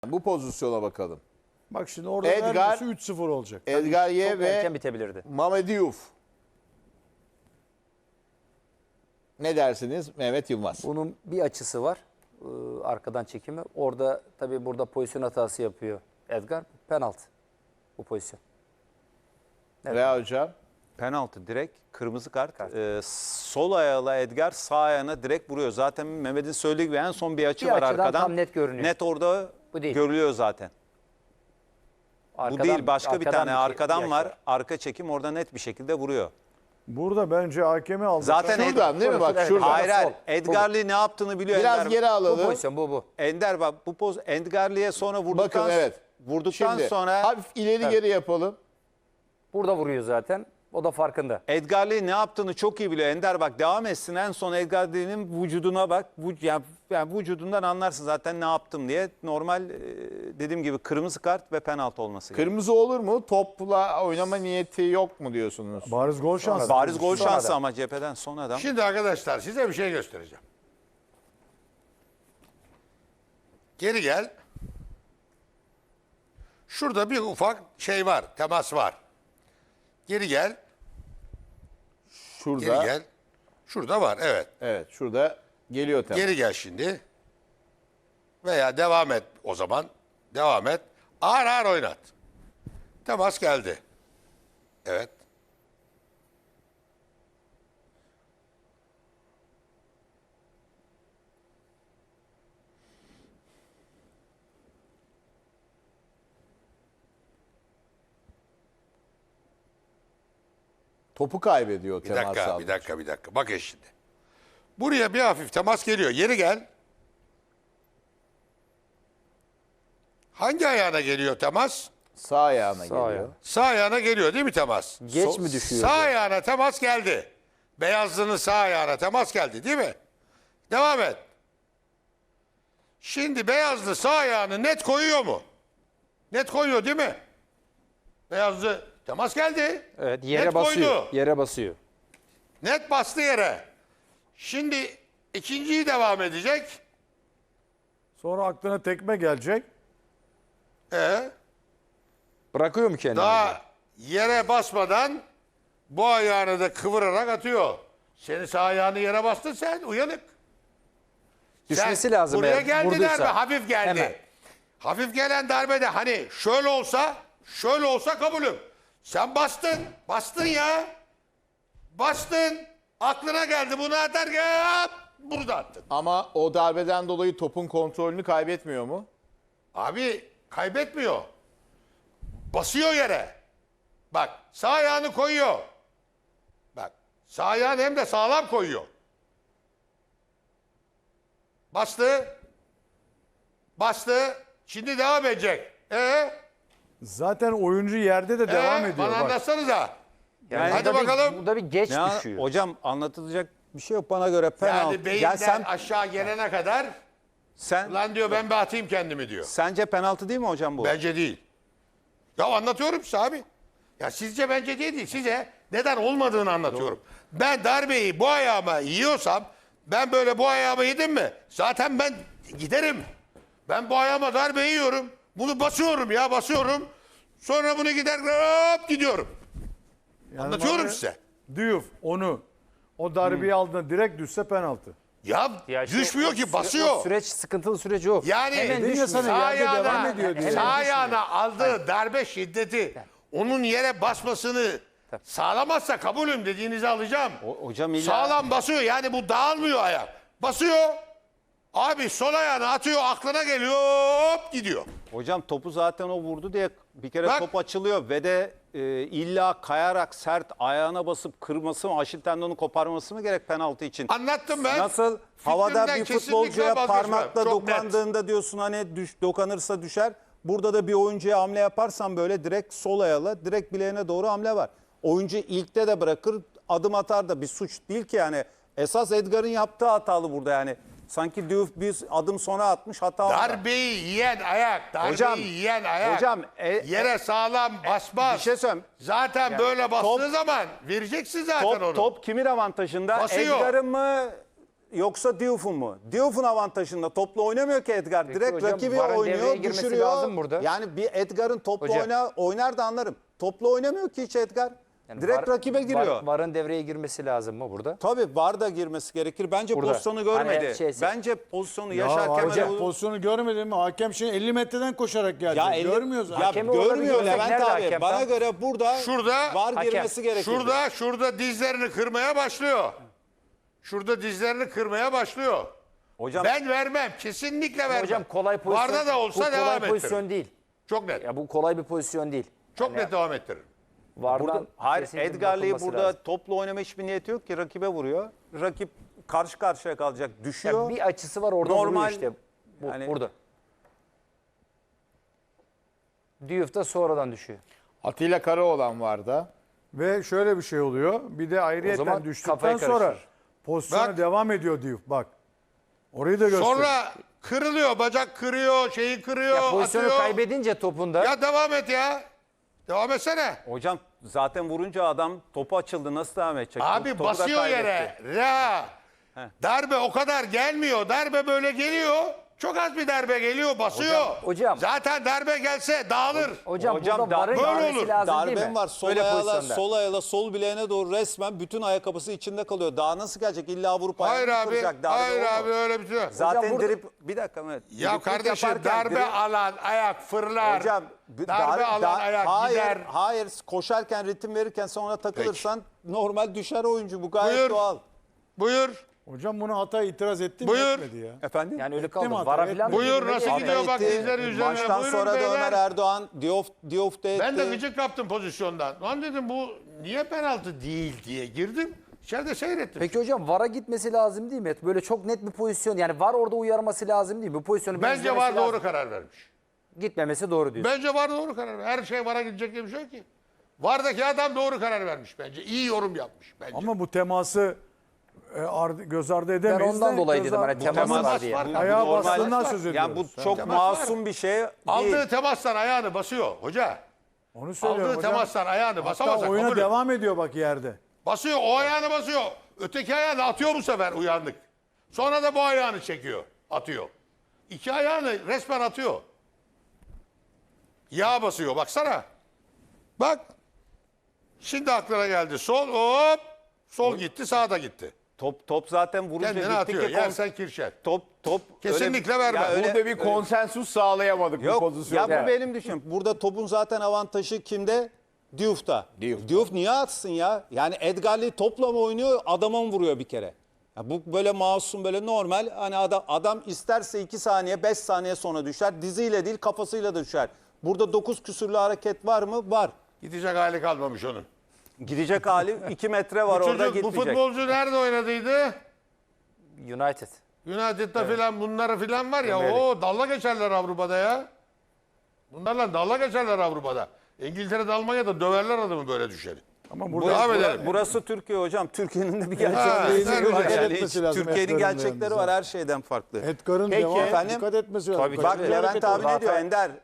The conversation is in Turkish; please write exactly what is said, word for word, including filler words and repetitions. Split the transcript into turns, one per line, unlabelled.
Bu pozisyona bakalım.
Bak şimdi orada
Edgar-
neredeyse üç sıfır olacak.
Edgar Ye
Çok
ve
erken bitebilirdi.
Mehmet Diouf. Ne dersiniz Mehmet Yılmaz?
Bunun bir açısı var. Ee, arkadan çekimi. Orada tabii burada pozisyon hatası yapıyor Edgar. Penaltı bu pozisyon. Evet.
Rea hocam.
Penaltı direkt kırmızı kart. Ee, sol ayağıyla Edgar sağ ayağına direkt vuruyor. Zaten Mehmet'in söylediği gibi en son bir açı
Bir
var
açıdan
arkadan.
tam net görünüyor.
Net orada
Bu değil.
görülüyor zaten.
Arkadan-
Bu değil, başka bir
arkadan
tane
bir- bir
arkadan
açı
var. Arka çekim orada net bir şekilde vuruyor.
Burada bence hakemi aldı.
Zaten
Şuradan değil mi? Bak
Evet.
şuradan.
Hayır hayır.
sol.
Edgar'lı ne yaptığını biliyor
Biraz
Ender.
geri
Bu
alalım.
pozisyon bu bu.
Ender bak bu poz Edgar'lıya sonra vurduktan
Bakın evet.
vurduktan
Şimdi
sonra
hafif ileri geri yapalım.
Burada vuruyor zaten. O da farkında.
Edgar'lı ne yaptığını çok iyi biliyor. Ender bak devam etsin en son Edgar'lı'nın vücuduna bak. Bu, yani, yani vücudundan anlarsın zaten ne yaptım diye. Normal e, dediğim gibi kırmızı kart ve penaltı olması gerekiyor.
Kırmızı olur mu? Topla oynama niyeti yok mu diyorsunuz?
Bariz gol şansı.
Bariz gol
Sonra
şansı
da.
ama cepheden son adam.
Şimdi arkadaşlar size bir şey göstereceğim. Geri gel. Şurada bir ufak şey var, temas var. Geri gel,
Şurada.
geri gel. Şurada var, evet.
Evet şurada geliyor tabii.
Geri gel şimdi. Veya devam et o zaman. Devam et. Ağır ağır oynat. Temas geldi. Evet.
Topu kaybediyor
Bir
temas
dakika,
aldı.
bir dakika, bir dakika. Bakın şimdi. Buraya bir hafif temas geliyor. Geri gel. Hangi ayağına geliyor temas?
Sağ ayağına geliyor.
ayağı.
Sağ ayağına geliyor değil mi temas?
Geç
So-
mi düşüyor?
Sağ ayağına temas geldi. Beyazlının sağ ayağına temas geldi değil mi? Devam et. Şimdi Beyazlı sağ ayağını net koyuyor mu? Net koyuyor değil mi? Beyazlı temas geldi.
Evet, yere
Net
basıyor.
koydu.
Yere basıyor.
Net bastı yere. Şimdi ikinciyi devam edecek.
Sonra aklına tekme gelecek.
Ee,
Bırakıyor mu kendini?
daha yere basmadan bu ayağını da kıvırarak atıyor. Senin sağ ayağını yere bastın sen uyanık.
Düşmesi
Sen
lazım
buraya
eğer
geldi
vurduysa.
darbe hafif geldi.
Hemen.
Hafif gelen darbede hani şöyle olsa şöyle olsa kabulüm. Sen bastın. Bastın ya. Bastın. Aklına geldi bunu atarken burada attın.
Ama o darbeden dolayı topun kontrolünü kaybetmiyor mu?
Abi kaybetmiyor. Basıyor yere. Bak sağ ayağını koyuyor. Bak sağ ayağını hem de sağlam koyuyor. Bastı. Bastı. Şimdi devam edecek. Ee,
Zaten oyuncu yerde de devam
ee,
ediyor.
Bana
Bak.
anlatsanıza.
Yani
Hadi
burada bir-
bakalım.
burada bir geç
Ya,
düşüyor.
hocam anlatılacak bir şey yok bana göre penaltı.
Yani beyinden
Ya sen,
aşağı gelene kadar
sen
lan diyor ben bir atayım kendimi diyor.
sence penaltı değil mi hocam bu?
Bence değil. Ya anlatıyorum size abi. Ya sizce bence değil, değil. Size neden olmadığını anlatıyorum. Ben darbeyi bu ayağıma yiyorsam ben böyle bu ayağıma yedim mi? Zaten ben giderim. Ben bu ayağıma darbe yiyorum. Bunu basıyorum ya basıyorum. Sonra bunu gider hop gidiyorum.
Yani
Anlatıyorum
bana-
size.
Diouf onu o darbeyi aldığında direkt düşse penaltı.
Ya,
Ya işte
düşmüyor
o
ki
süre-
basıyor.
O süreç sıkıntılı süreci o.
Yani
Hemen
Dedim ya
düşmüyor.
sana,
sağ
yerde devam
ayağına,
ediyor diye.
sağ ayağına aldığı darbe şiddeti onun yere basmasını sağlamazsa kabulüm dediğinizi alacağım.
O- hocam illa-
Sağlam basıyor yani bu dağılmıyor ayak. Basıyor. Abi sol ayağını atıyor aklına geliyor hop gidiyor.
Hocam topu zaten o vurdu diye bir kere
Bak.
top açılıyor ve de e, illa kayarak sert ayağına basıp kırması mı, Aşil tendonu koparması mı gerek penaltı için?
Anlattım ben.
Nasıl havada
Fikrimden
bir
kesinlikle
futbolcuya
vazgeçmem.
parmakla
Çok net.
dokandığında diyorsun hani düş, dokanırsa düşer. Burada da bir oyuncuya hamle yaparsan böyle direkt sol ayağıyla direkt bileğine doğru hamle var. Oyuncu ilkte de bırakır adım atar da bir suç değil ki yani. Esas Edgar'ın yaptığı hatalı burada yani. Sanki Diouf bir adım sonra atmış hata var.
Darbeyi yiyen ayak, darbeyi
Hocam,
yiyen ayak.
hocam, e-
yere sağlam basmaz.
bir şey söyleyeyim.
Zaten böyle bastığı
top-
zaman vereceksin zaten
Top,
onu.
top kimin avantajında?
Basıyor.
Edgar'ın mı? yoksa Diouf'un mu? Diouf'un avantajında topla oynamıyor ki Edgar.
Peki
Direkt
hocam,
rakibi
VAR'ın devreye
oynuyor,
girmesi
düşürüyor.
lazım burada.
Yani bir Edgar'ın topla
Hocam.
oyna, oynar da anlarım. Topla oynamıyor ki hiç Edgar.
Yani
Direkt
var-
rakibe giriyor.
var- VAR'ın devreye girmesi lazım mı burada?
Tabii VAR da girmesi gerekir. Bence
Burada.
pozisyonu görmedi.
Hani şeyse-
Bence pozisyonu
Ya
Yaşar
hocam
Kemal'e...
pozisyonu görmedin mi? Hakem şimdi elli metreden koşarak geldi.
Ya elli-
Görmüyoruz.
Ya
Hakemi orada bir
görmüyor
görsek
Levent
nerede
abi.
hakem
Bana
tam?
göre burada
Şurada-
VAR
Hakem.
girmesi gerekir.
Şurada şurada dizlerini kırmaya başlıyor. Şurada dizlerini kırmaya başlıyor.
Hocam
Ben vermem. Kesinlikle vermem.
Hocam kolay pozisyon.
Varda da
bu
olsa
kolay
devam
pozisyon
ettiririm.
değil.
Çok net.
Ya bu kolay bir pozisyon değil.
Çok net devam ettiririm.
VAR'dan
burada hayır
kesinlikle
Edgar'lı'yı
bakılması
burada
lazım.
topla oynama hiçbir niyeti yok ki rakibe vuruyor. Rakip karşı karşıya kalacak, düşüyor.
Ya bir açısı var orada
Normal-
vuruyor işte. Bu,
yani-
burada. Diouf da sonradan düşüyor.
Atilla Karaoğlan var da.
Ve şöyle bir şey oluyor. Bir de
O
ayrıyetten
zaman
düştükten
kafayı
sonra
karıştırır.
pozisyona
Bak.
devam ediyor Diouf. Bak. Orayı da göster.
Sonra kırılıyor. Bacak kırıyor. Şeyi kırıyor.
Ya pozisyonu
atıyor.
kaybedince topunda
Ya devam et ya. Devam etsene.
Hocam zaten vurunca adam topu açıldı, nasıl devam edecek?
Abi
Topu da
basıyor
kaybetti.
yere. Reha. Darbe o kadar gelmiyor. Darbe böyle geliyor. Çok az bir darbe geliyor, basıyor.
hocam.
Zaten darbe gelse dağılır.
hocam,
Hocam
burada
dar-
VAR'ın
böyle
görmesi
olur.
lazım değil
Darbem
mi?
var. Sol
Böyle
ayağıyla,
pozisyonda.
sol ayağıyla sol bileğine doğru resmen bütün ayakkabısı içinde kalıyor. Daha nasıl gelecek? İlla vurup
Hayır
ayağını
abi.
kıracak. Darbe
Hayır
o mu?
abi öyle bir şey yok.
Zaten
burada-
drip bir dakika Mehmet.
Ya
Driplik
kardeşim
yaparken
darbe
drip-
alan ayak fırlar.
Hocam bir-
darbe
dar-
alan
dar-
ayak
hayır,
gider.
Hayır koşarken ritim verirken sonra takılırsan normal düşer oyuncu. Bu gayet
Buyur.
doğal.
Buyur.
Hocam bunu hata itiraz etti mi?
Buyur.
Etmedi ya.
Efendim?
Yani öyle
Etti
kaldı.
mi hata?
VAR'a
Etti.
falan da
Buyur,
girmeli
nasıl
yani.
gidiyor bak
Etti.
dizleri üzerine.
Maçtan
Buyurun
sonra da
beyler.
Ömer Erdoğan Diouf, Diouf da etti.
Ben de gıcık kaptım pozisyondan. Lan dedim bu niye penaltı değil diye girdim. İçeride seyrettim.
Peki hocam VAR'a gitmesi lazım değil mi? Böyle çok net bir pozisyon. Yani VAR orada uyarması lazım değil mi? Bu pozisyonu bir
Bence
izlemesi
var
lazım.
doğru karar vermiş.
Gitmemesi doğru diyorsun.
Bence var doğru karar vermiş. Her şey vara gidecek diye bir şey yok ki. Vardaki adam doğru karar vermiş bence. İyi yorum yapmış bence.
Ama bu teması e, ardı- göz ardı
Ben
edemeyiz.
ondan
de
dolayı
göz
dedim
ar-
hani
Bu
temas
temas
var diye.
var.
Ayağa
Bu normal-
bastığından
var.
söz ediyoruz.
Yani bu çok
Temas var.
masum bir şey
Aldığı
değil.
temastan ayağını basıyor hoca.
Onu söylüyorum
Aldığı
hocam.
temastan ayağını basamaz.
Hatta oyuna devam ediyor bak yerde.
Basıyor o ayağını basıyor. Öteki ayağını atıyor bu sefer uyandık. Sonra da bu ayağını çekiyor. Atıyor. İki ayağını resmen atıyor. Yağ basıyor baksana. Bak. Şimdi aklına geldi. Sol hop. Sol gitti sağ da gitti.
Top top zaten vurunca
Kendini
gitti
atıyor.
ki kon-
Yersen kirşer.
top top
Kesinlikle
öyle-
verme.
Ya öyle-
Burada bir konsensus sağlayamadık bu
Yok
pozisyonda.
ya bu benim düşüncem. Burada topun zaten avantajı kimde? Diouf'ta.
Diouf'ta.
Diouf niye atsın ya? Yani Edgar'lı topla mı oynuyor, adama mı vuruyor bir kere? Ya bu böyle masum, böyle normal. Hani adam, adam isterse iki saniye, beş saniye sonra düşer. Diziyle değil kafasıyla da düşer. Burada dokuz küsürlü hareket var mı? Var.
Gidecek hali kalmamış onun.
Gidecek hali iki metre var
Bu,
orada,
çocuk, bu
gitmeyecek.
futbolcu nerede oynadıydı?
United.
United'da filan bunları filan var ya.
Premier Lig.
O dalla geçerler Avrupa'da ya. Bunlarla dalla geçerler Avrupa'da. İngiltere'de Almanya'da döverler adamı böyle düşeri.
Ama
Bu-
burada
Devam
Bura-
edelim.
burası Türkiye hocam. Türkiye'nin de bir
Ha,
gerçekleri
nerede
var.
dikkat
Yani
etmesi
hiç
lazım
Türkiye'nin
Edgar'ın
gerçekleri
yalnız
var
ha.
her şeyden farklı.
Edgar'ın
Peki,
devam
efendim?
dikkat etmesi lazım.
Tabii,
Bak
Kaçırdığı
Levent
hareket
abi
var.
ne diyor Ender?